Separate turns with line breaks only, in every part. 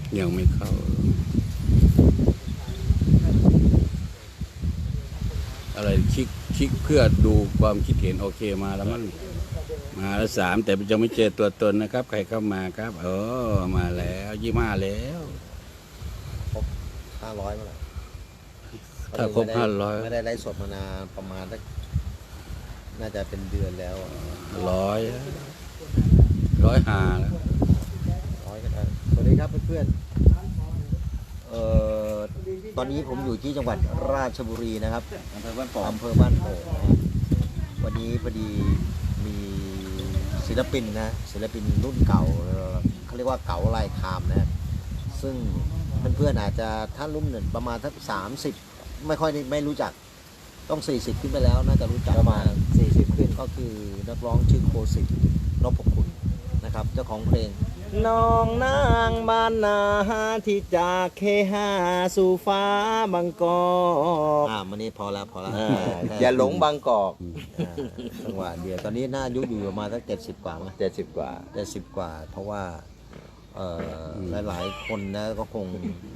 ยังไม่เข้าอะไรคลิกเพื่อดูความคิดเห็นโอเคมาแล้วมั้งมาแล้ว3แต่ยังไม่เจอตัวตนนะครับใครเข้ามาครับมาแล้ว25แล้ว
ครบ500มาแล้ว
ถ้าครบ500
ไม่ได้ไลฟ์สดมานานประมาณน่าจะเป็นเดือนแล้ว
100หาแล้ว
100กันสวัสดีครับเพื่อนตอนนี้ผมอยู่ที่จังหวัดราชบุรีนะครับอำเภอบ้านโป่งวันนี้พอดีมีศิลปินรุ่นเก่าเขาเรียกว่าเก๋าลายคามนะซึ่งเพื่อนๆอาจจะถ้ารุ่นประมาณสัก30ไม่รู้จักต้อง40ขึ้นไปแล้วน่าจะรู้จักประมาณ40ขึ้นก็คือนักร้องชื่อโคสิทธิ์นพคุณนะครับเจ้าของเพลงน้องนางบ้านนาที่จากเคหาสู่ฟ้าบางกอกมันนี้พอแล้ว
อย่าหลงบางกอก
จังหวะเดียวตอนนี้หน้ายุอยู่ประมาณสัก70 กว่ามั้ย70 กว่าเพราะว่าหลายๆคนนะก็คง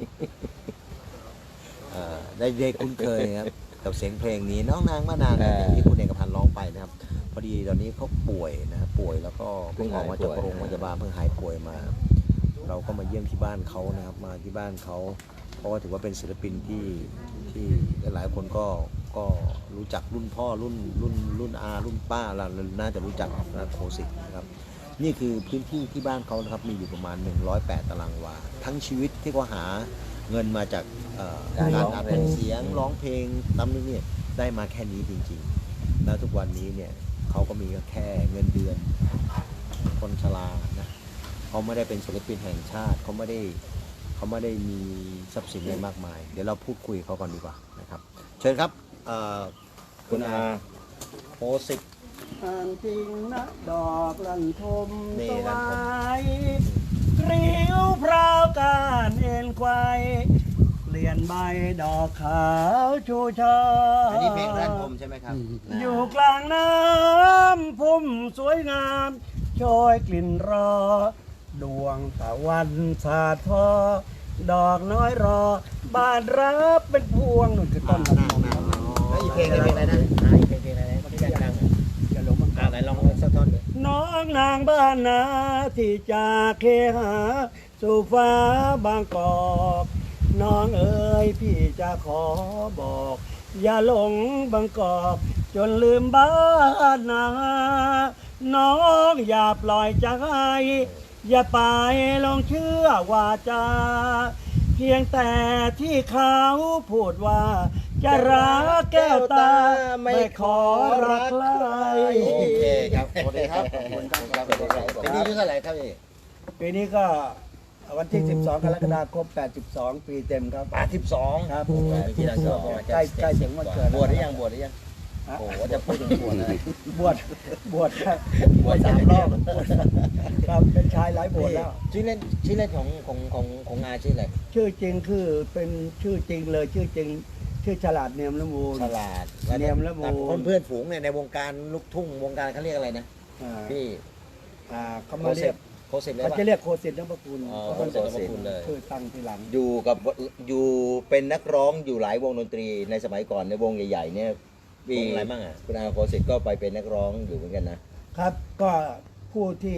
ได้คุ้นเคยครับกับเสียงเพลงนี้น้องนางบ้านนาที่คุณเอกพันธ์ร้องไปนะครับพอดีตอนนี้เขาป่วยนะครับป่วยแล้วก็เพิ่งออกมาจากโรงพยาบาลเพิ่งหายป่วยมาเราก็มาเยี่ยมที่บ้านเขานะครับมาที่บ้านเขาเพราะว่าถือว่าเป็นศิลปินที่หลายๆคนก็รู้จักรุ่นพ่อรุ่นอารุ่นป้าเราน่าจะรู้จักนะโคสิทธิ์นะครับนี่คือพื้นที่ที่บ้านเขานะครับมีอยู่ประมาณ108 ตารางวาทั้งชีวิตที่เขาหาเงินมาจากการอัดเสียงร้องเพลงตามนี้เนี่ยได้มาแค่นี้จริงๆแล้วทุกวันนี้เนี่ยเขาก็มีแค่เงินเดือนคนชรานะเขาไม่ได้เป็นศิลปินแห่งชาติเขาไม่ได้มีทรัพย์สินอะไรมากมายเดี๋ยวเราพูดคุยเขาก่อนดีกว่านะครับเชิญครับคุณอาโคสิทธิ์
จริงนะดอกลันทมสวายริ้วพราวการเอ็นควายเปลี่ยนใบดอกขาวชูชา
อันนี้เพลงรันทมใช่ไหมครับ
อยู่กลางน้ำพุ่มสวยงามโชยกลิ่นรอดวงตะวันสาดทอดอกน้อยรอบานรับเป็นพวงนั่นคือต้นลำ
นแล้วอีกเพลงอะไรนะอีกเพลงอะไรที่ดัง
อย่าหลงบังคับ
ไหนลองสักท่อนดิ
น้องนางบ้านนาที่จากเคหาสู่ฟ้าบางกอกน้องเอ๋ยพี่จะขอบอกอย่าหลงบางกอกจนลืมบ้านนาน้องอย่าปล่อยใจอย่าไปลงเชื่อว่าจะเพียงแต่ที่เขาพูดว่าจะรักแก้วตาไม่ขอรักใคร
โอเคครับสวัสดีครับปีนี้อายุเท่าไหร่ครับ
ปีนี้ก็วันที่12 กรกฎาคม82 ปีเต็มครับ
82
ครับ
ที่เรา
ใกล้ถึงวันเกิด
บวชหรือยังโอ้ว่าจะพูดถึงบวชอะไร
บวช3 รอบครับเป็นชายหลายบวชแล้ว
ชื่อเล่นของงาชื่ออะไร
ชื่อจริงคือเป็นชื่อจริงเลยชื่อจริงชื่อฉลาดเนียมละมูล
ฉลาด
เนียมละมูล
เพื่อนฝูงในวงการลูกทุ่งวงการเขาเรียกอะไรนะพี่
เขามาเรียก
โคสิทธิ์เลย
เขาจะเรียกโคสิทธิ์นพคุณ
โคสิทธิ์นพคุณเลย
คือตั้งทีหลัง
อยู่เป็นนักร้องอยู่หลายวงดนตรีในสมัยก่อนในวงใหญ่ๆเนี่ยว
งอะไรบ้าง
คุณอาโคสิทธิ์ก็ไปเป็นนักร้องอยู่เหมือนกัน
นะครับก็ผู้ที่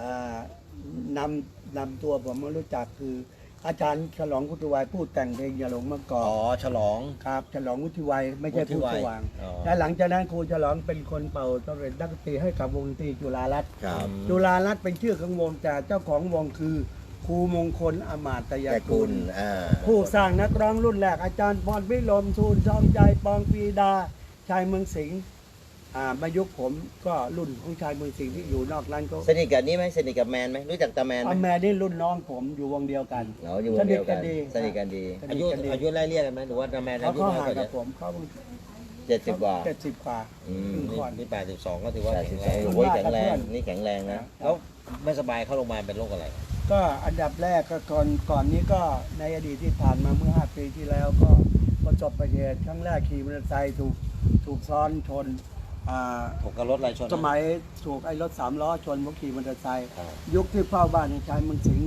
นำตัวผมมารู้จักคืออาจารย์ฉลองวุฒิวัยผู้แต่งเพลงอย่าหลงบางกอก
ฉลอง
ครับฉลองวุฒิวัยไม่ใช่ผู้สว่างและหลังจากนั้นครูฉลองเป็นคนเป่าต้องเป็นนักดนตรีให้กับวงดนตรีจุฬารัตน์จุฬารัตน์เป็นชื่อของวงแต่เจ้าของวงคือครูมงคลอมาตยกุลผู้สร้างนักร้องรุ่นแรกอาจารย์พรพิรมทูลทองใจปองปีดาชายเมืองสิงห์มายุคผมก็รุ่นของชายเมืองสิงห์ที่อยู่นอกร้านก็
สนิทกับนี้ไหมสนิทกับแมนไหมรู้จักตาแมนไหม
แมนนี่รุ่นน้องผมอยู่วงเดียวกัน
อยู่วงเดียวกันสนิทกันดี
อายุไล่เรียกกันไหมหรือว่าตาแมนอายุ
น้อยกว่าผมเขา
70 กว่า
70 กว่า
นี่82ก็ถือว่าแข็งแรง
แข็งแรงนี่แข็งแรงนะ
แล้วไม่สบายเข้าโรงพยาบาลเป็นโรคอะไร
ก็อันดับแรกก็ก่อนนี้ก็ในอดีตที่ผ่านมาเมื่อ5 ปีที่แล้วก็ประสบอุบัติเหตุครั้งแรกขี่มอเตอร์ไซค์ถูกซ้อนชน
ถูกกับรถอะไรชน
สมัยถูกไอ้รถ3 ล้อชนผมขี่มอเตอร์ไซค์ยุคที่เฝ้าบ้านในชายเมืองสิงห์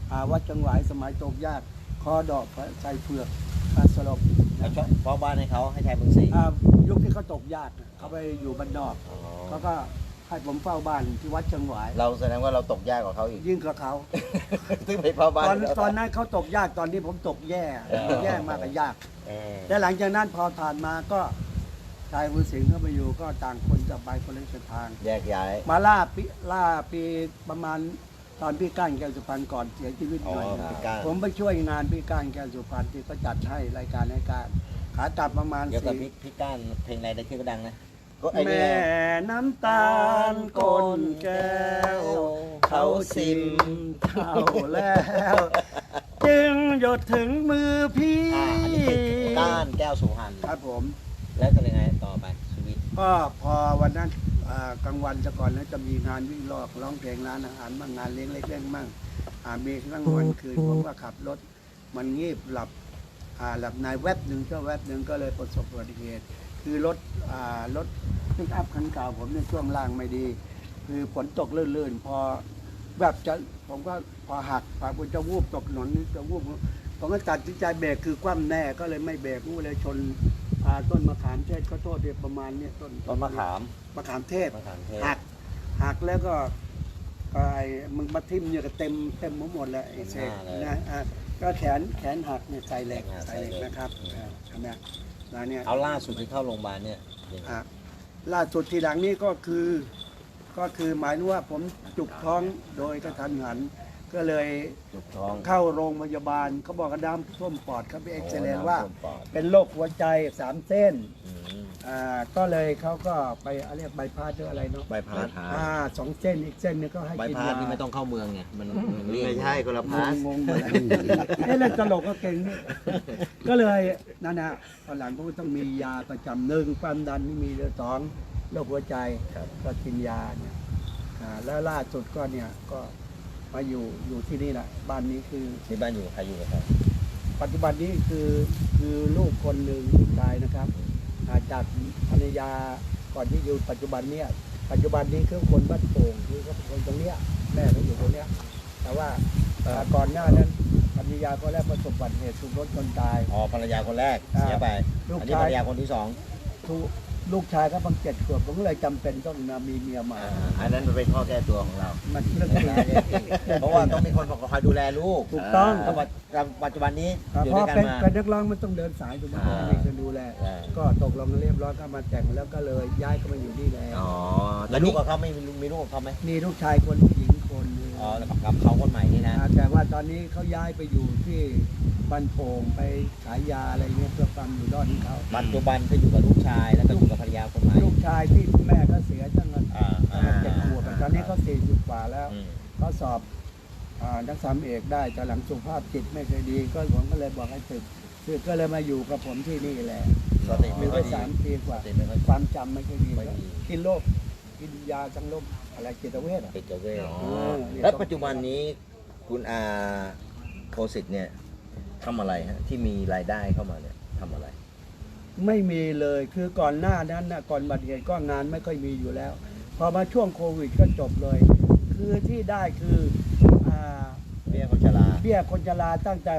วัดจังหวายสมัยตกยากคอดอกใส่เผือกสลบ
เขาชอบเพราะบ้านให้เขาให้แทนเมืองศรี
ยุคที่เขาตกยากเขาไปอยู่บ้านนอก
อ๋อ
เขาก็ให้ผมเฝ้าบ้านที่วัดจังหวาย
เราแสดงว่าเราตกยากกว่าเขาอีก
ยิ่งกว่าเขา
ซึ่งไปเฝ้าบ้าน
ตอนนั้นเขาตกยากตอนนี้ผมตกแย่ แย่มากกับยาก
เออ
แต่หลังจากนั้นพอผ่านมาก็ชายมือสิงห์เข้าไปอยู่ก็ต่างคนจะไปคนละเส้นทาง
แยกย้าย
มาล่าปีประมาณตอนพี่ก้านแก้วสุพรรณก่อนเสียชีวิตหน่อย
พี่ก้าน
ผมไปช่วยงานพี่ก้านแก้วสุพรรณที่เขาจัดให้รายการขากลับประมาณ
เดี๋ยวกับ
สี่
พี่ก้านเพลงอะไรได้ชื่อก็ดังนะก็ไอ้เนี่
แม่
ย
น้ำตาลก้นแก้ว เขาซิมเท่าแล้ว จึงหยดถึงมือพี่
อันนี้ก้านแก้วสุพรรณ
ครับผม
แล้วจะยังไงต่อไปชีวิต
ก็พอวันนั้นกลางวันจะก่อนแล้วจะมีงานวิ่งลอกร้องเพลงร้านอาหารบ้างงานเลี้ยงเล็กเล่นบ้างมีกลางวันคืนผมก็ขับรถมันงีบหลับในแวบหนึ่งก็เลยประสบอุบัติเหตุคือรถปิกอัพคันเก่าผมเนี่ยช่วงล่างไม่ดี คือฝนตกลื่นๆพอแบบผมก็พอหักผมจะวูบตกถนนจะวูบผมก็ตัดสินใจเบรกคือคว่ำแน่ก็เลยไม่เบรกวูบเลยชนต้นมะขามเทศก็โทษเดียวประมาณเนี่ยต้น
มะขาม
มะขามเทศ
มะขามเทศ
หักแล้วก็ไอ้มึงมาทิ่มเนี่ยก็เต็มหมดแล้วไอ้เศษนะก็แขนหักเนี่ยใส่เหล็กนะครับใช่ไหมแล้วเนี่ย
เอาล่าสุดที่เข้าโรงพยาบาลเนี่ยยังไง
ล่าสุดทีหลังนี้ก็คือหมายถึงว่าผมจุกท้องโดยกระทันหัน ก็เลย
จุกท้อง
เข้าโรงพยาบาลเขาบอกกระด้ำท่วมปอดเขาไปเอ็กซเรย์ว่า
น้ำท่ปอด
เป็นโรคหัวใจ3 เส้น
อืม
ก็เลยเขาก็ไปเรียกใบพาสหรืออะไรเนาะ
ใบพาส
2 เส้นอีกเส้นนึงก็ให้
ใบ
กิน
พาส
ยา
นี่ไม่ต้องเข้าเมืองไงมันเรียก
ไม่ใช่คนละพาส
งงหมดแล้วเล่นตลกก็เก่งนี่ก็เลยนั่นนะตอนหลังก็ต้องมียาประจำ1ความดันไม่มีเลย2โรคหัวใจก็กินยาเนี่ยแล้วล่าสุดก็เนี่ยก็มาอยู่ที่นี่แหละบ้านนี้คือ
ที่บ้านอยู่ใครอยู่กับใคร
ปัจจุบันนี้คือลูกคนหนึ่งลูกชายนะครับจากภรรยาก่อนที่อยู่ปัจจุบันเนี่ยปัจจุบันนี้คือคนบ้านโป่งคือเขาเป็นคนตรงเนี้ยแม่เขาอยู่ตรงเนี้ยแต่ว่าก่อนหน้านั้นภรรยาก็แรกประสบอุบัติเหตุถูกรถชนตาย
อ๋อภรรยาคนแรกเสียไป
ลูก
อันนี้
ชาย
ภรรยาคนที่สอง
ลูกชายก็เพิ่ง7 ขวบผมก็เลยจำเป็นต้องมีเมียใหม่
อันนั้นมันเป็นข้อแก้ตัวของเรา
มันเรื่องจริง
เพราะว่าต้องมีคนคอยดูแลลูก
ถูกต้อง
แต่ว่าปัจจุบันนี้อยู่
เพ
ด้ว
ราะ
ยกัน
เป็น
มา
นักร้องมันต้องเดินสายถูกไหมมีคนดูแล ก็ตกลงกันเรียบร้อยก็มาแต่งแล้วก็เลยย้ายก็มาอยู่นี่แล้ว
อ๋อแล้วลูกกับเขาไม่มีลูกกับเขาไหม
มีลูกชายคนผู้หญิงคนหนึ่ง
อ๋อแล้วกับเขาคนใหม่นี่นะ
แต่ว่าตอนนี้เขาย้ายไปอยู่ที่บ้านโป่งไปขายยาอะไรเงี้ยเพื่อความอยู่รอดของเขา
ปัจจุบันก็อยู่กับลูกชายแล้วก็อยู่กับภรรยาคนใหม่
ลูกชายที่แม่ก็เสียตั้งแต่
อ่า
7 ขวบตอนนี้เขา40 กว่าแล้ว
อืม
เขาสอบนักศึกษาเอกได้แต่หลังสุขภาพจิตไม่เคยดีก็ผมก็เลยบอกให้ศึกก็เลยมาอยู่กับผมที่นี่แหละ
สติ
อ
ไม่
ยู่
ค่
ไป
อยดี
3 ปีกว่า
สติไม่ค่อย
ความจำไม่ค่อยดี
ไม่ดี
กินโรคกินยาจังโรคอะไรจิตเวช
ติดเวท
เนี่ย
แล้วปัจจุบันนี้คุณอาโคสิตเนี่ยทำอะไรฮะที่มีรายได้เข้ามาเนี่ยทำอะไร
ไม่มีเลยคือก่อนหน้านั้นนะก่อนบัตรเหตุก็งานไม่ค่อยมีอยู่แล้ว พอมาช่วงโควิดก็จบเลย คือที่ได้คือ
เบี้ยคนชรา
เบี้ยคนชราตั้งแต่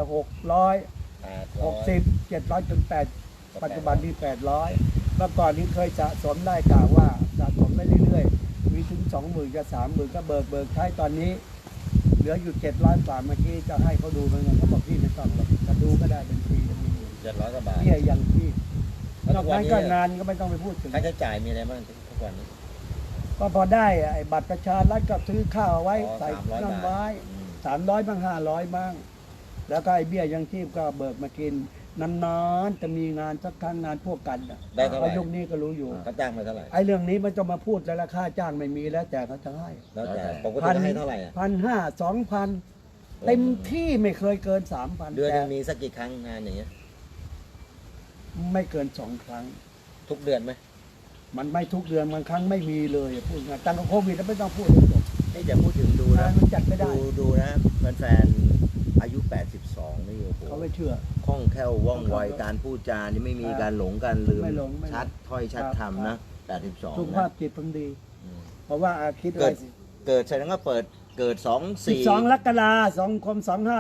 660 700จน8ปัจจุบันนี้800เมื่อก่อนนี้เคยสะสมได้กล่าวว่าสะสมได้เรื่อยๆมีถึง 20,000 กับ 30,000 ก็เบิกใช้ตอนนี้ เหลืออยู่700 กว่าเมื่อกี้จะให้เขาดูเหมือนกันเขาบอกพี่ไม่ต้องหรอกจะดูก็ได้เป็นฟรีจะมีอยู่
700กว่าบาท
เบี้ยอย่างที่
แล้ว
น
ทุ
อก
กวัน
นั้น
นี้
ก็งานก็ไม่ต้องไปพูดถึง
ค่าใช้จ่ายมีอะไรบ้างทุกวันนี้
ก็พอได้ไอ้บัตรประชารัฐก็ซื้อข้าวไว้
อ๋อ
ใส่
300
น้ำไว้
อืม
300บ้าง500บ้างแล้วก็ไอ้เบี้ยยังชีพก็เบิกมากินนานๆจะมีงานสักครั้งงานพวกกันน่ะ
ได้เท่าไหร่
ก็ยุคนี้ก็รู้อยู่
เขาจ้างมาเท่าไหร่
ไอ้เรื่องนี้มันจะมาพูดแล้วราคาจ้างไม่มีแล้วแต่เขาจะให้
แล้วแต่ปกติเขาให้เท่าไหร่อะ
1,500 2,000เต็มที่ไม่เคยเกิน 3,000
เดือนหนึง
แต่
มีสักกี่ครั้งงานอย่างเงี้ย
ไม่เกิน2 ครั้ง
ทุกเดือนไหม
มันไม่ทุกเดือนบางครั้งไม่มีเลยพูดง่ายตั้งแต่โควิดแล้วไม่ต้องพูดเลยจบ
นี่จะพูดถึงดูนะ
มันจัดไม่ได้
ดูนะแฟนๆอายุ 82 นี่โอ้โห
เขาไม่เชื่อ
คล่องแคล่วว่องไวการพูดจานี่ไม่มีการหลงการลืม
ไม่หลง
ชัดถ้อยชัด
ครับ
คำนะ
สุข
82
ภา
นะ
พจิตผมดี
อืม
เพราะว่าคิดอะไรสิ
เกิดแสดงว่าเปิด
เกิด
12 กรกฎาคม25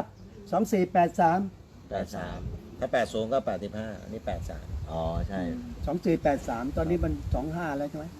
2483
83ถ้า80ก็85อันนี้83อ๋อใช่
2483 ตอนนี้มัน 25 แล้วใช่ไหม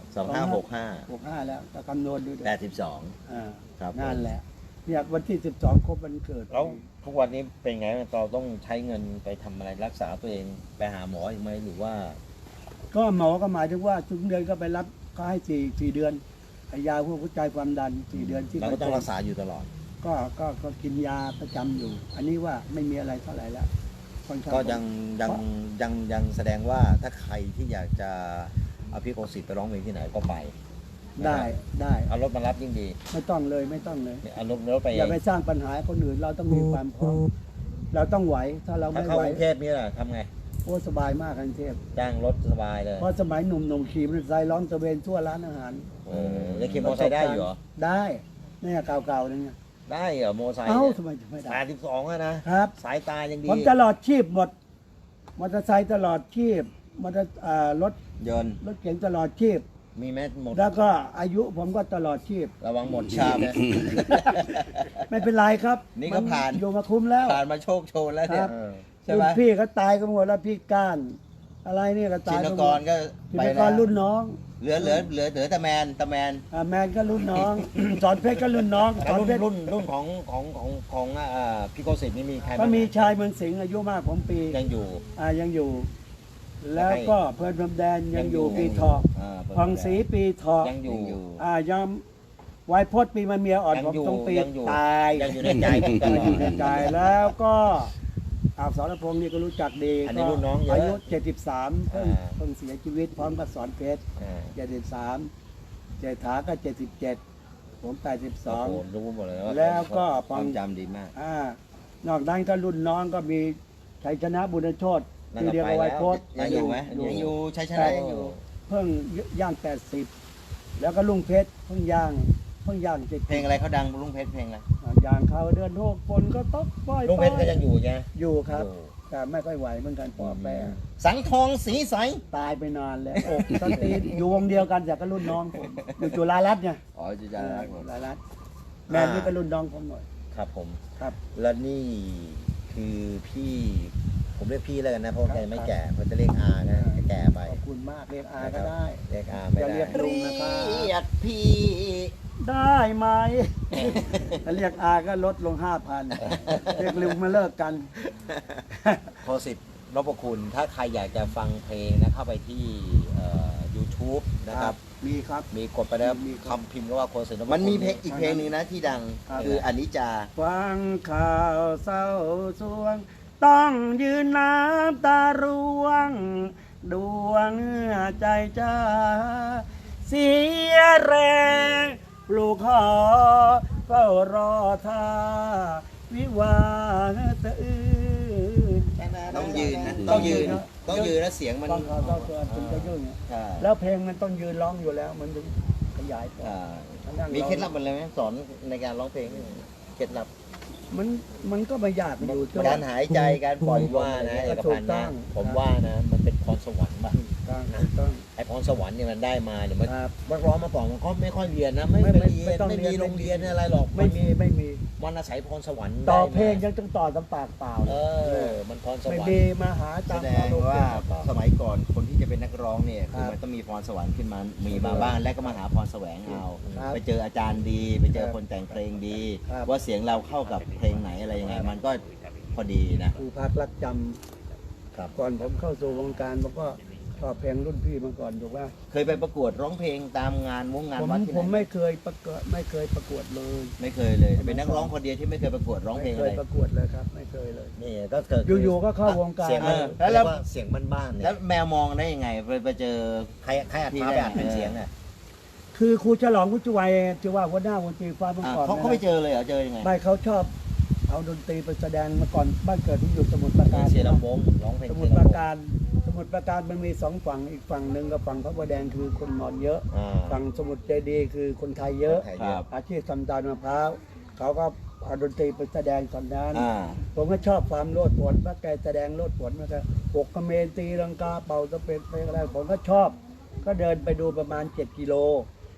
2565
65 แล้วก็คำนวณดูดิ
82
อ่า
ครับ
นั่นแหละเนี่ยวันที่ 12 ครบวันเกิด
แล้วทุกวันนี้เป็นไงเราต้องใช้เงินไปทำอะไรรักษาตัวเองไปหาหมออีกไหมหรือว่า
ก็หมอก็หมายถึงว่าทุกเดือนก็ไปรับก็ให้4 เดือนไอ้ยาพวกหัวใจความดัน 4 เดือนที่
เราก็ต้องรักษาอยู่ตลอด
ก็กินยาประจำอยู่ อันนี้ว่าไม่มีอะไรเท่าไหร่แล้วค่อนข้าง
ก็ยังแสดงว่าถ้าใครที่อยากจะเอาพี่โคสิตไปร้องเพลงที่ไหนก็ไป
ได้ได้
เอารถมารับยิ่งดี
ไม่ต้องเลยไม่ต้องเลย
เอารถไป
อย่าไปสร้างปัญหาให้คนอื่นเราต้องมีความพร้อมเราต้องไหวถ้าเรา
ถ้า
ไม่
เข้า
ไหว
กรุงเทพนี่แหละทำไง
โอ้สบายมากกรุงเทพ
จ้างรถสบายเลย
เพราะสมัยหนุ่มๆขี่มอเตอร์ไซค์ร้องตะเวนทั่วร้านอาหาร
แล้วขี่มอเตอร์ไซค์ได้อยู่เหรอ
ได้เนี่ยเก่าๆนั่นไง
ได้เหรอมอเตอร์ไซค์
เอ้า
เนี่ย
ทำไมจะไม่ได้
82อะนะครับ สายตายังดี
ผมตลอดชีพหมดมอเตอร์ไซค์ตลอดชีพมอเตอร์รถ
ยนต์
รถเก๋งตลอดชีพ
มีแมสหมด
แล้วก็อายุผมก็ตลอดชีพ
ระวังหมดชามนะ
ไม่เป็นไรครับ
นี่ก็ผ่าน
อยู่มาคุ้มแล้ว
ผ่านมาโชคโชนแล้วเนี่
ครั
ย
บ
ใช่ไหม
รุ่นพี่ก็ตายกันหมดแล้วพี่ก้าน อะไรเนี่ยก็ตา
ชิ
ย
น
กันห
ก
ม
ร
ด
ก็
ชิ
ไป
นก
แล้
ร
ว
รุ่นน้อง
เหลือแต่แมน
แมนก็รุ่นน้อง สอนเพชรก็รุ่นน้องส
แต่
อนเพชร
รุ่นของพี่โกสิตนี่มีใคร
ก็
บ้าง
มีชายเมืองสิงห์อายุมากผมปี
ยังอยู่
ยังอยู่ แล้วก็เพื่อนพรมแดนยังอยู่ปีทอง พองศรีปีทอง
ยังอยู่
ยังไวยพจน์ปีมาเมียอ่อน
ยัง
ผม
อยู่
ตรงปี
ยังอยู่
ตาย
ยังอยู่ในใจ
อยู่ในใจแล้วก็สรพงษ์นี่ก็รู้จักดี
อันนี้รุ่นน้องเยอะ
อายุ73เพิ่ง
อ่า
เพิ่งเสียชีวิตพร้อมกับสอนเพชร 73เจษฐาก็77ผม
โอ้โห
82
รู้หมดเลย
แล้วก็
ความจำดีมาก
นอกนั้นก็รุ่นน้องก็มีชัยชนะบุญโชต
นั่น
ที่
ก็
เรียก
ไป
ว่าไว
แล้ว
โพส
ยังอยู่ไหมยังอยู่ใช้ชนะยังอยู่
เพิ่งย่าง80แล้วก็ลุงเพชรเพิ่งย่าง70
เพลงอะไรเขาดังลุงเพชรเพลงอะไร
ย่างเขาเดือนหกฝนก็ตกปล่อย
ลุงเพชรก็ยังอยู่ใช่ไหม
อยู่ครับ
อยู่
แต่ไม่ค่อยไหวเหมือนกันปอแปร
สังทองสีใส
ตายไปนานแล้วอกตั้งตีนอยู่วงเดียวกันแต่ก็รุ่นน้องผมอยู่จุฬารัตน์ไง
อ๋อจุฬารัตน์
จุฬารัตน์แม่นี่ก็รุ่นน้องผมหน่อย
ครับผม
ครับ
และนี่คือพี่ผมเรียกพี่แล้วกันนะเพราะ
ครับ
แกไม่แก่เพราะจะเรียกอานะแก่ไป
ขอบคุณมากเรียกอาก็ได้
เรียกอาไม่
อย่า
ได้
เรียกลุงนะครับ
เรียกพี่
ได้ไหม ถ้าเรียกอาก็ลดลง 5,000 เรียกลุงมาเลิกกัน
โคสิตนพคุณถ้าใครอยากจะฟังเพลงนะเข้าไปที่YouTube นะครับ
มีครับ
มีกดไปแล้ว
มีครับ
คำพิมพ์ก็ว่าโคสิตนพคุณมันมีเพลงอีกเพลงหนึงนะที่ดัง
ครับ
คืออนิจจา
ฟังข่าวเศร้าสวง ต้องยืนน้ำตาร่วง ดวงใจจ้า เสียแรงปลูกหอเฝ้ารอท่า วิวาห์สะอื้น
ต้องยืนนะ
ต้
ต้
อ
อง ง
ยื
ยื
น
น
นะ
ต้องยืนแล้วเสียงมัน
ฟังข่าวเศร้าสวงถึงจะยุ่ง
ใช่
แล้วเพลงมันต้องยืนร้องอยู่แล้ว มันถึงขยายต่อ
อ่า
นั่งร้อง
มีเคล็ดลับอะไรไหมสอนในการร้องเพลงนี่เคล็ดลับ
มันก็ไม่ยากอยู่ที่
การหายใจการปล่อยว่านะเอกพันธ์
ถูกต้
นะ
อง
ผมว่านะมันเป็นพรสวรรค์ป่ะ
ต้อง
ไอพรสวรรค์เนี่ยมันได้มาเนี่ยมัน
ครับ
นักร้องมาก่อนมันก็ไม่ค่อยเรียนนะไม่
ไม่
ไปเรียน
ต้อง
ไม่
เรีย
มี
น
โรงเรียนอะไรหรอก
ไม่มี
มันอาศัยพรสวรรค์
ต่อ
ได้มา
เพลงยังต้องต่อตำปากเปล่า
เออมันพรส
ไม่
วรร
ดี
ค์
มาหา
แส
ตาม
ด
ค
ง
ม
ว่า
ต่อ
สมัยก่อนคนที่จะเป็นนักร้องเนี่ย
ครั
คือบ มันต้องมีพรสวรรค์ขึ้นมามีมาบ้างและก็มาหาพรแสวงเอา
ครับ
ไปเจออาจารย์ดี ไปเจอ
ครับ
คนแต่งเพลงดี
ครับ
ว่าเสียงเราเข้ากับเพลงไหนอะไรยังไง มันก็พอดีนะ
ครูพักรักจ
ครับ
ำก่อนผมเข้าสู่วงการผมก็ชอบเพลงรุ่นพี่มาก่อนถูกป่ะ
เคยไปประกวดร้องเพลงตามงานงานวัดที่ไหน
ผมไม่เคยประกวดเลย
ไม่เคยเลย เป็นนักร้องคนเดียวที่ไม่เคยประกวดร้องเพลง
ไม่
อะ
เค
ไร
ยประกวดเลยครับ ไม่เคยเลย
นี่ก็เกิด
อยู่ๆก็เข้าวงการ
เสียงมัน
แล้วเสียงบ้านๆเนี่
แล้ว
ย
แมวมองได้ยังไงไปเจอ
ใครอัด
ที่
มา
ได้
ไปอัดเป็นเสียงอ่ะ
คือครูฉลองกุจวัยที่ว่าหัวหน้าวงดนตรีฟ้าเมื่อก่อน
เขาไปเจอเลยเหรอเจอยังไง
ไม่เขาชอบเอาดนตรีไปแสดงมาก่อนบ้านเกิดที่อยู่สมุทรปราการ
เสียลำโพงร้องเพลง
สมุ
เสี
ท
ย
รป
ลำ
รา
โพง
การสมุทรปราการมันมีสองฝั่งอีกฝั่งหนึ่งกับฝั่งพระประแดงคือคนนอนเยอะ
อ่า
ฝั่งสมุทรเจดีย์คือคนไทยเยอะ
คนไทยเยอะ
อาชีพทำตาลมะพร้าวเขาก็เอาดนตรีไปแสดงตอนนั้น
อ่า
ผมก็ชอบความโลดโผนพระแกแสดงโลดโผนมาก็ปกกระเมนตีลังกาเป่าตะเป็ดไปอะไรผมก็ชอบ ก็เดินไปดูประมาณ7 กิโล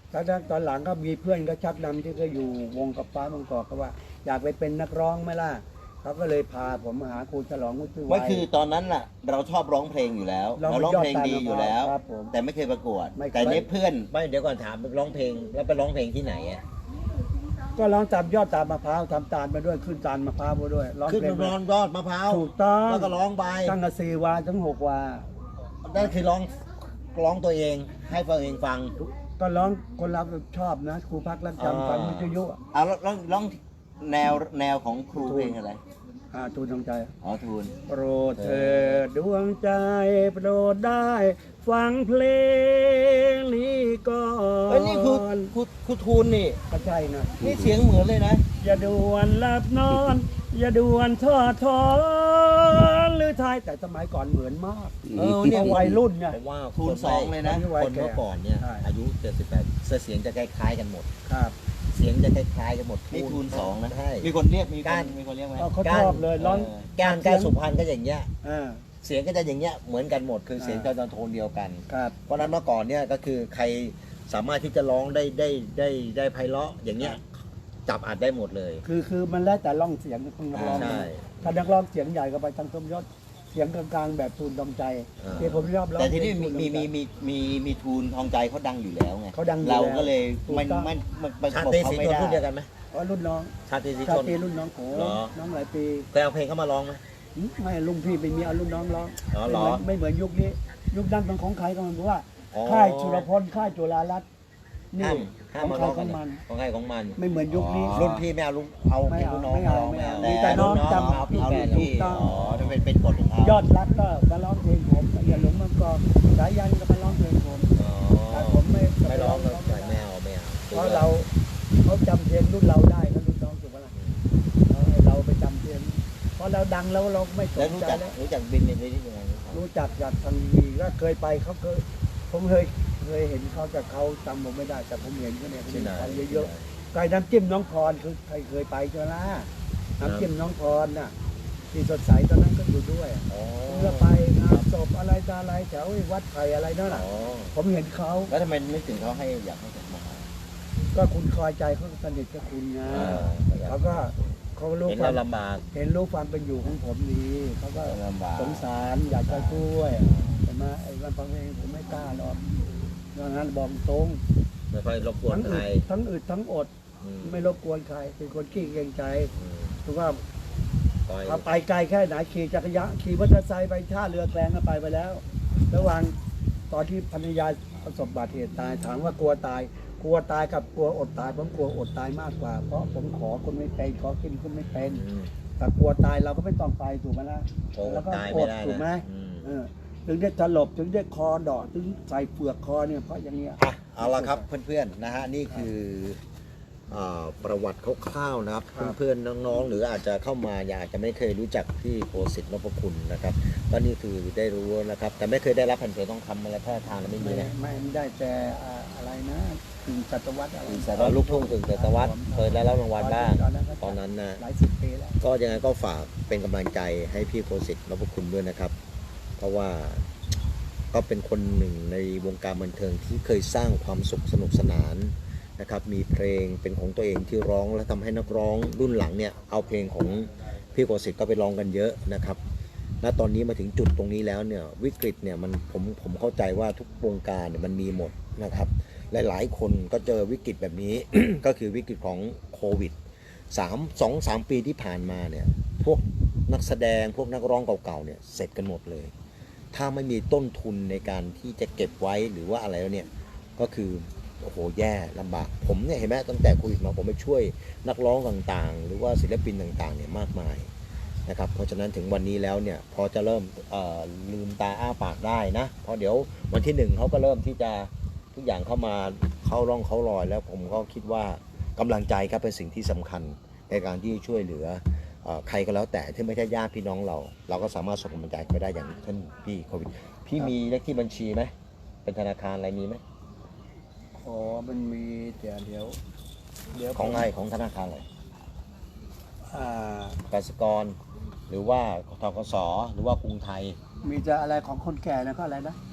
ตอนหลังก็มีเพื่อนก็ชักนำที่ก็อยู่วงกับฟ้าบางกอกก็ว่า อยากไปเป็นนักร้องไหมล่ะเขาก็เลยพาผมมาหาครูฉลองวุฒิวั
ไม่
ย
คือตอนนั้นน่ะเราชอบร้องเพลงอยู่แล้วเราร้องเพลงดีอยู่แล้ว
ครับผม
แต่ไม่เคยประกวด
ไม่เคย
แต่เนี้เพื่อน
ไม่เดี๋ยวก่อนถามร้องเพลงแล้วไปร้องเพลงที่ไหนอ่ะ
ก็ร้องตามยอดตาลมะพร้าวทำตาลมาด้วยขึ้นตาลมะพร้าวมาด้วยร้อง
ขึ้น
เพลง
ร้องยอดมะพร้าว
ถูกต้อง
แล้วก็ร้องไป
ตั้งแต่4 วาถึง6 วา
นั่นคือร้องตัวเองให้ตัวเองฟัง
ก็ร้องคนเราชอบนะครูพักรักจำฟังวิทยุ
เอาร้องแนวของครูเพลงอะไร
ทูลดวงใจ
อ๋อทูล
โปรดเถิดดวงใจโปรดได้ฟังเพลงนี้ก่อน
เอ้ยนี่ครูทูลนี่
ก็ใช่นะ
นี่เสียงเหมือนเลยนะ
อย่าด่วนหลับนอน อย่าด่วนทอดถอนหรือทายแต่สมัยก่อนเหมือนมาก
เนี่ย
วัยรุ่นเนี่ย
ผมว่า
ทูล2เลยนะ
คนเมื่อก่อนเนี่ย
ใช่
อายุ78เสียงจะคล้ายๆกันหมด
ครับ
เสียงจะคล้ายๆกันหมด
นี่ทูล2นะ
ใช่
มีคนเรียกมี
การ
คนเรียกไหม
เขาชอบเลยร้อง
การสุพรรณก็อย่างเงี้ย
อ่า
เสียงก็จะอย่างเงี้ยเหมือนกันหมดคือเสียงจะโทนเดียวกัน
ครับ
เพราะฉะนั้นเมื่อก่อนเนี่ยก็คือใครสามารถที่จะร้องได้ไพเราะอย่างเงี้ยจับอัดได้หมดเลย
คือมันแล้วแต่ร้องเสียงของนักร้อง
ใช่
ถ้านักร้องเสียงใหญ่ก็ไปทางสมยศเสียงกลางๆแบบทูลดวงใจ
อ่า
ที่ผมชอบร้อง
แต่ที่นี่
เพลงทูลดวงใจ
มีทูลทองใจเขาดังอยู่แล้วไง
เขาดังอยู่แล้ว
เราก็เลย
ถูก
ไม่
ต้อง
ไม่ประ
ชาก
บ
ติ
เขา
สี
ไม่
ชน
ได้
รุ่นเดียวกันไหม
อ๋อรุ่นน้อง
ชาติสี
ชา
ชน
ตรีรุ่นน้องโข
เหรอ
น้องหลายปี
เคยเอาเพลงเข้ามาร้องไหม
ไม่ลุงพี่ไปมีเอารุ่นน้องร้อง
อ๋อเหรอ
ไม่เหมือนยุคนี้ ยุคนั้นเป็นของใครก็มันเพราะว่า
อ๋อ
ค่ายชุรพลค่ายจุฬารัตน์นี่
ห้าม
ของ
มา
ใคร
ร้อง
ข
กั
อน ง
เนี่ย
มัน
ของใครของมัน
ไม่เหมือนยุคนี้
รุ่นพี่ไม่เอาเอา
ไม่
เพลง
เอา
รุ่นน้อง
ไม่เอา
ร้อง
ไม่เอา
แต่
แต่น้อง
รุ่
จำ
เอาพี่แฟน
ถู
พี่
กต้อง
อ๋อนั่นเป็นกฎของเขา
ยอดรักก็มาร้องเพลงผมอย่าหลงมังกรสายยันก็มาร้องเพลงผม
อ๋อ
แต่ผมไม่
ไม่ร้อง
ไม่
ไม่เอาไม่เอา
เพราะเราเขาจำเพลงรุ่นเราได้ก็รุ่นน้องถูกไหมล่ะเราไปจำเพลงเพราะเราดังแล้วเราไม่ส
แล้ว
น
รู้
ใจ
จัก
แล้ว
รู้จักบินในที่ยังไง
รู้จักจากทางวีก็เคยไปเขาเคยผมเคยเห็นเขาแต่เขาจำผมไม่ได้ แต่ผมเห็นเขาเนี่ย
ที่ไหน
ไปเยอะๆไก่น้ำจิ้มน้องพรคือใครเคยไปใช่ไหมล่ะน้ำจิ้มน้องพรน่ะที่สดใสตอนนั้นก็อยู่ด้วย
อ๋อ
เมื่อไปงานศพอะไรต่ออะไรแถววัดไผ่อะไรนั่น
อ๋
น่ะ
อ
ผมเห็นเขา
แล้วทำไมนึกถึงเขาให้อยากให้กลับมา
ก็คุณคอยใจเขาสนิทกับคุณไงเขาก็เขารู้
เห็น
ควา
เรา
ม
ลำบาก
เห็นรู้ความเป็นอยู่ของผมดีเขาก็
ลำบาก
สงสารอยากจะช่วยใช่ไหมไอ้วันฟังเพลงผมไม่กล้าหรอกดังนั้นบอกตรง
ไม่ค่อยรบกวน
ทั้ง
ใค
อึ
ร
ดทั้งอึดทั้งอด
อืม
ไม่รบกวนใครเป็นคนขี้เกรงใจ
อืม
ถือว่า
ปล่อย
ถ้าไปไกลแค่ไหนขี่จักรยานขี่มอเตอร์ไซค์ไปท่าเรือแกลงก็ไปแล้ว ระหว่างตอนที่ภรรยาประสบอุบัติเหตุตายถามว่ากลัวตายกับกลัวอดตายผมกลัวอดตายมากกว่า เพราะผมขอคนไม่เป็นขอกินคนไม่เป็น
อืม
แต่กลัวตายเราก็ไม่ต้องไปถูกไหมล่ะ
โอ้
แล้วก็
ตาย
อ
ไม่
ด
ได้
ถูกไหม
นะอืม
ถึงได้สลบถึงได้คอดอกถึงใส่เปลือกคอเนี่ยเพราะอย่างเงี้ย
อ่ะเอาละครับเพื่อนๆนะฮะนี่คือประวัติคร่าวๆนะครับ
ครับ
เพื่อนๆน้องๆหรืออาจจะเข้ามาอาจจะไม่เคยรู้จักพี่โคสิทธิ์นพคุณนะครับก็นี่คือได้รู้นะครับ แต่ไม่เคยได้รับแผ่นเสียงทองคำอะไรแค่ทางไม่มีนะ
ไม่ได้แต่อะไรนะถึงศตวรรษอะไร
ลูกทุ่งถึงแต่ตะวัดเคยได้รับรางวัลบ้างตอนนั้นนะ
หลายสิบปีแล้ว
ก็ยังไงก็ฝากเป็นกำลังใจให้พี่โคสิทธิ์นพคุณด้วยนะครับ เพราะว่าก็เป็นคนหนึ่งในวงการบันเทิงที่เคยสร้างความสุขสนุกสนานนะครับมีเพลงเป็นของตัวเองที่ร้องและทำให้นักร้องรุ่นหลังเนี่ยเอาเพลงของพี่โคสิทธิ์ก็ไปร้องกันเยอะนะครับณตอนนี้มาถึงจุดตรงนี้แล้วเนี่ยวิกฤตเนี่ยมันผมเข้าใจว่าทุกวงการเนี่ยมันมีหมดนะครับหลายๆคนก็เจอวิกฤตแบบนี้ ก็คือวิกฤตของโควิด2-3 ปีที่ผ่านมาเนี่ยพวกนักแสดงพวกนักร้องเก่าๆเนี่ยเสร็จกันหมดเลยถ้าไม่มีต้นทุนในการที่จะเก็บไว้หรือว่าอะไรแล้วเนี่ยก็คือโอ้โหแย่ลำบากผมเนี่ยเห็นไหมตั้งแต่โควิดมาผมไปช่วยนักร้องต่างๆ หรือว่าศิลปินต่างๆเนี่ยมากมายนะครับเพราะฉะนั้นถึงวันนี้แล้วเนี่ยพอจะเริ่มลืมตาอ้าปากได้นะเพราะเดี๋ยววันที่1เขาก็เริ่มที่จะทุกอย่างเข้ามาเข้าร่องเข้ารอยแล้วผมก็คิดว่ากำลังใจครับเป็นสิ่งที่สำคัญในการที่ช่วยเหลือใครก็แล้วแต่ที่ไม่ใช่ญาติพี่น้องเราก็สามารถส่งกำลังใจไปได้อย่างเช่นพี่โควิดพี่มีเลขที่บัญชีไหมเป็นธนาคารอะไรมีไหม
อ๋อมันมีเดี๋ยว
ของอะไรของธนาคารอะไร
อ่าก
สิกรหรือว่าธกสหรือว่ากรุงไทย
มีจะอะไรของคนแก่นะก็อะไรนะ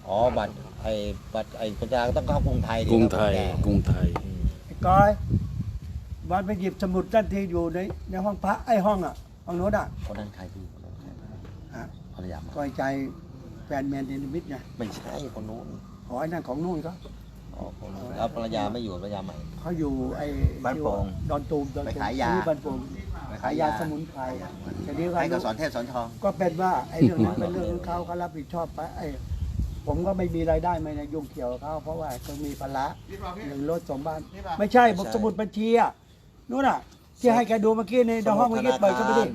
อ๋อบัตรคนชราก็ต้องเข้ากรุงไทยดิ
กรุงไทย
ครับ
กรุงไทย
อืม
ไอ้ก้อยวันไปหยิบสมุดทันทีอยู่ในห้องพระไอ้ห้องอ่ะห้องโน้นอ่ะ
คนนั้นใครพี่คนนั้นใคร
ฮะ
ภรรยามา
ก้อยใจแฟนแมนเดนมิดไง
ไม่ใช่คนนู้น
ขอไอ้นั่นของนู่นก็
อ๋อคนนู้นแล้วภรรยาไม่อยู่ภรรยาใหม่
เขาอยู่ไอ้
บ้านโป่ง
ดอนตูม
ไปขายยา
ที่บ้านโป่ง
ไป
ขา
ขาย ย
ยาย
า
สมุนไพรแต่นี้
ให้กับสอนเทพสอนทอง
ก็เป็นว่าไอ้เรื่องนั้นเป็นเรื่องของเขาเขารับผิดชอบไปไอ้ผมก็ไม่มีรายได้ไม่นะยุ่งเกี่ยวกับเขาเพราะว่าเขามีภาระหนึ่งรถสองบ้าน ไม่ใช่บอกสมุดบัญชีอ่ะนู่นอ่ะ ที่ให้แกดูเมื่อกี้ในห้องเมื่อกี้เปิดเข้าไปดิ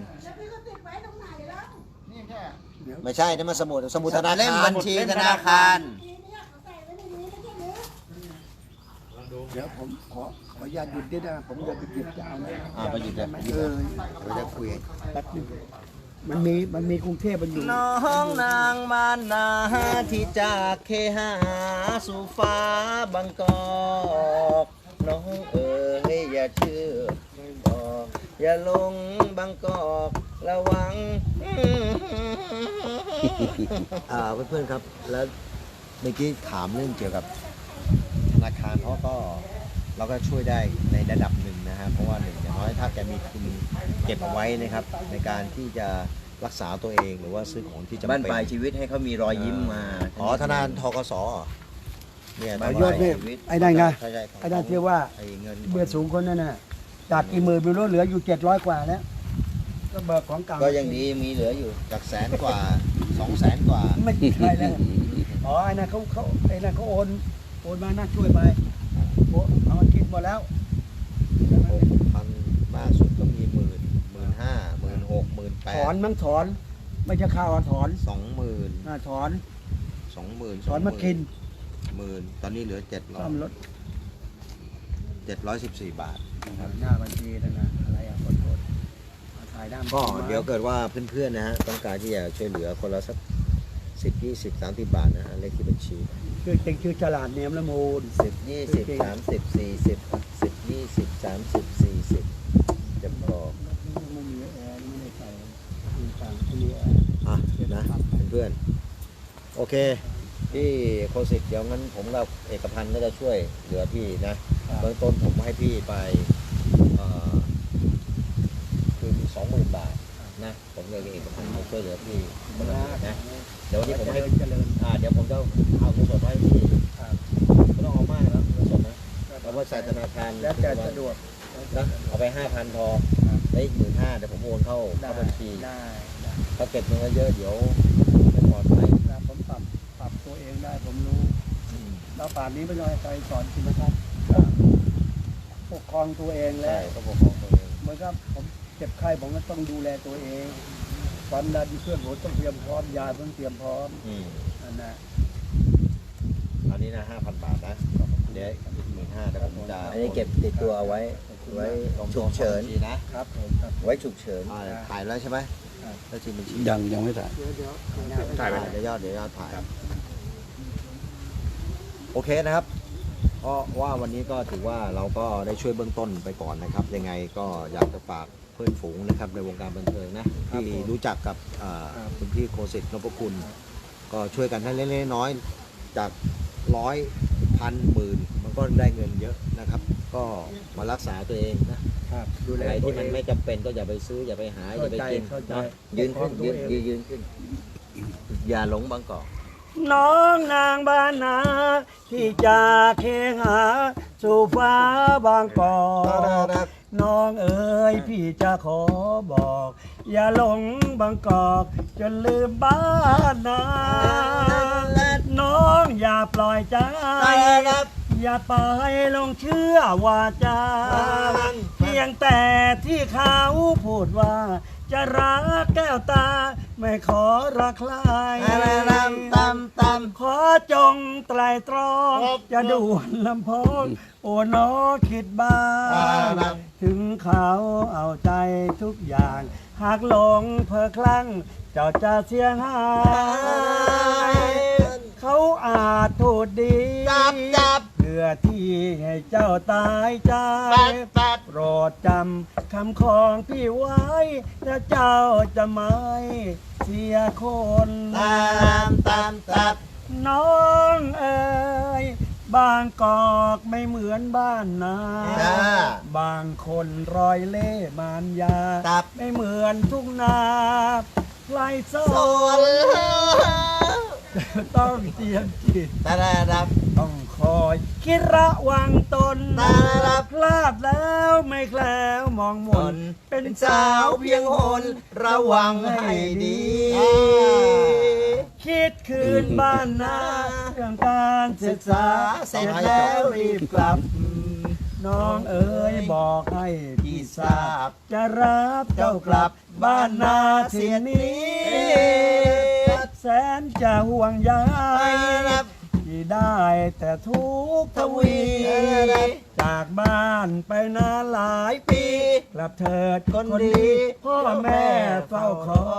ไม่ใช่นั่นมันสมุดธนา
เล่ม
คาร
บัญชีธนาคาร
เดี๋ยวผมขออนุญาตหยุดนิดนะผมจะไปหยิบจะเอานะ
ไปหยุดเลย
เราจะคุย
แป๊บนึงมันมีกรุงเทพมันอยู่
น้องนางบ้านนาที่จากเคหาสู่ฟ้าบางกอกน้องเอ๋ยอย่าเชื่อบอกอย่าลงบางกอกระวัง เพื่อนๆครับแล้วเมื่อกี้ถามเรื่องเกี่ยวกับธนาคารเขาก็เราก็ช่วยได้ในระดับหนึ่งนะฮะเพราะว่าหนึ่งอย่างน้อยถ้าแกมีทุนเก็บเอาไว้นะครับในการที่จะรักษาตัวเองหรือว่าซื้อของที่จำเป็น
บ้านปลายชีวิตให้เขามีรอยยิ้มมา
อ๋อธนาคารทกสเนี่ย
ประโยชน์นี่ไอ้นั่นไง
ใช่
ไอ้นั่นที่ว่า
ไอ้เงิน
เบื่อสูงคนนั่นน่ะจากกี่หมื่นไม่รู้เหลืออยู่700กว่าแล้วก็เบิกของเก่า
ก็ยังดีมีเหลืออยู่
จากแสนกว่า200,000กว่า
ไม่ใช่แล้วอ๋อไอ้นั่นเขาไอ้นั่นเขาโอนมาน่าช่วยไปโอ้เอามาคิดหมดแล้ว
6,000มากสุดก็มี15,000 16,000
ถอนมั้งถอน ไม่ใช่ข้าวถอน
20,000
ถอน
20,000
ถอนมากิน
10,000ตอนนี้เหลือ
ซ่อมรถ
714 บาท
หน้าบัญชีนั่นนะอะไรอ่ะคนโทษถ่ายด้าน
ก็เดี๋ยวเกิดว่าเพื่อนๆนะฮะต้องการที่จะช่วยเหลือคนละสัก10 20 30 บาทนะฮะเลขที่บัญชี
ชื่อเต็งชื่อฉลาดเนียมละมูล
10 20 30 40 10 20 30 40จะบอก
ไม่มีแอร์ไม่ได้ใส่มีต่างไม่มีแอร์
อ่ะนะเพื่อนๆโอเคพี่โคสิตเดี๋ยวงั้นผมกับเอกพันธ์ก็จะช่วยเหลือพี่นะเบื้องต้นผมให้พี่ไปคือ 20,000 บาทนะผมเลยกับเอกพันธ์มาช่วยเหลือพี่คนละนิดนะเดี๋ยววันนี้ผมให้
เจริญ
เดี๋ยวผมจะเอาเงินสดไว้ให้พี่
ครับ
ไม่ต้องเอามากนะเงินสดนะเอาไว้ใส่ธนาคาร
แล้วแต่สะดวก
นะเอาไป 5,000 พอได้อีก 15,000เดี๋ยวผมโอนเข้าบัญชี
ได้
ถ้าเก็บเงินเยอะเดี๋ยวไม่ปลอดภัย
ครับผมปรับตัวเองได้ผมรู้แล้วป่านนี้ไม่ต้องให้ใครสอนคุณนะครับก็ปกครองตัวเองแล้
ใช่
ว
ก็ปกครองตัวเอง
เหมือนกับผมเจ็บไข้ผมก็ต้องดูแลตัวเองความดันเพื่อนผมต้องเตรียมพร้อมยาต้องเตรียมพร้อมนั่นนะ
อันนี้นะ 5,000 บาทนะเดี๋ยวอีก 15,000แต่ผมจะ
อันนี้เก็บติดตัวเอาไว้ฉุกเฉิน
นะครับ
ผมครับ
ไว้ฉุกเฉิน
ถ่ายแล้วใช่ไหมแล้วทีบัญชี
ยังไม่ถ่าย
เดี๋ยว
ถ่ายไปเดี๋ยวยอดถ่ายโอเคนะครับก็ว่าวันนี้ก็ถือว่าเราก็ได้ช่วยเบื้องต้นไปก่อนนะครับ ยังไงก็อยากจะฝากเพื่อนฝูงนะครับในวงการบันเทิงนะที่รู้จักกับคุณพี่โคสิตนพคุณก็ช่วยกันให้เล็กๆน้อยๆจาก100 1,000 10,000มันก็ได้เงินเยอะนะครับ ก็มารักษาตัวเองนะครับ
ดูแล
อะไร
ตัว
ที่
เอ
มัน
ง
ไม่จำเป็นก็อย่าไปซื้ออย่าไปหาอย่าไปกิน
เข้าใจ
นะ
ยืนขึ้น
ปกครองตัวเอง
ยืนขึ้น อย่าหลงบางกอก
น้องนางบ้านนาที่จากเคหาสู่ฟ้าบางกอกน้องเอ๋ยพี่จะขอบอก อย่าหลงบางกอกจนลืมบ้านนาน้องอย่าปล่อยใจ อย่าไปลงเชื่อว่าจาเพียงแต่ที่เขาพูดว่า จะรักแก้วตา ไม่ขอรักใครขอจงไตรตรองจะด่วนลำโพงโอ้น้อคิดบ้างถึงเขาเอาใจทุกอย่าง หากหลงเพอคลั่งเจ้าจะเสียหายเขาอาจพูดดีเพื่อที่ให้เจ้าตายใจโปรดจำคำของพี่ไว้แล้วเจ้าจะไม่เสียคนน้องเอ๋ยบางกอกไม่เหมือนบ้านนา
จ้า
บางคนรอยเล่มานยา
ครับ
ไม่เหมือนทุ่งนาไล่โซ
โซน
ต้องเตรียมจิต
ตาดาดับ
ต้องคอยคิดระวังตน
ตาลับ
พลาดแล้วไม่แคล้วมองมน
เป็นสาวเพียงหนระวังให้ดี
คิดคืนบ้านนาเรื่องการศึกษาเสร็จแล้วรีบกลับ น้องเอ๋ยบอกให้พี่ทราบ จะรับเจ้ากลับบ้านนาสิ่งนี้แสนจะห่วงใยที่ได้แต่ทุกข์ทวี จากบ้านไปนานหลายปี กลับเถิดคนดี พ่อแม่เฝ้าคอย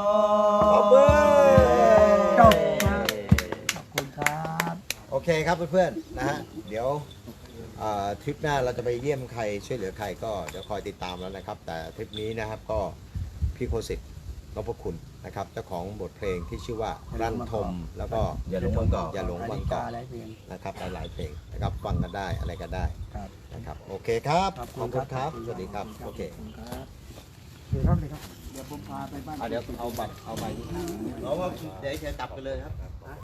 จบครับขอบคุณครับ
โอเคครับเพื่อนๆนะฮะเดี๋ยวทริปหน้าเราจะไปเยี่ยมใครช่วยเหลือใครก็เดี๋ยวคอยติดตามแล้วนะครับ แต่ทริปนี้นะครับก็พี่โคสิตนพคุณนะครับเจ้าของบทเพลงที่ชื่อว่ารันทมแล้วก็
อย่าหลงบางกอก
อย่าหลงบางกอก
อะไรเพียง
นะครับหลายๆเพลงนะครับฟังกันได้อะไรกันได้
ครับ
นะครับโอเคครับ
ขอบ
ข
คุ
อบ
ณ
คุณ
ค
ค
รั
รั
บบ
สวัสดีครับโอเค
ครับเดี๋ยวครับเลยครับเดี๋ยวผมพาไปบ้าน
เดี๋ยวเอาบัตรเอาใบนี้
เพราะว่าเดี๋ยวจะกลับกันเลยครับ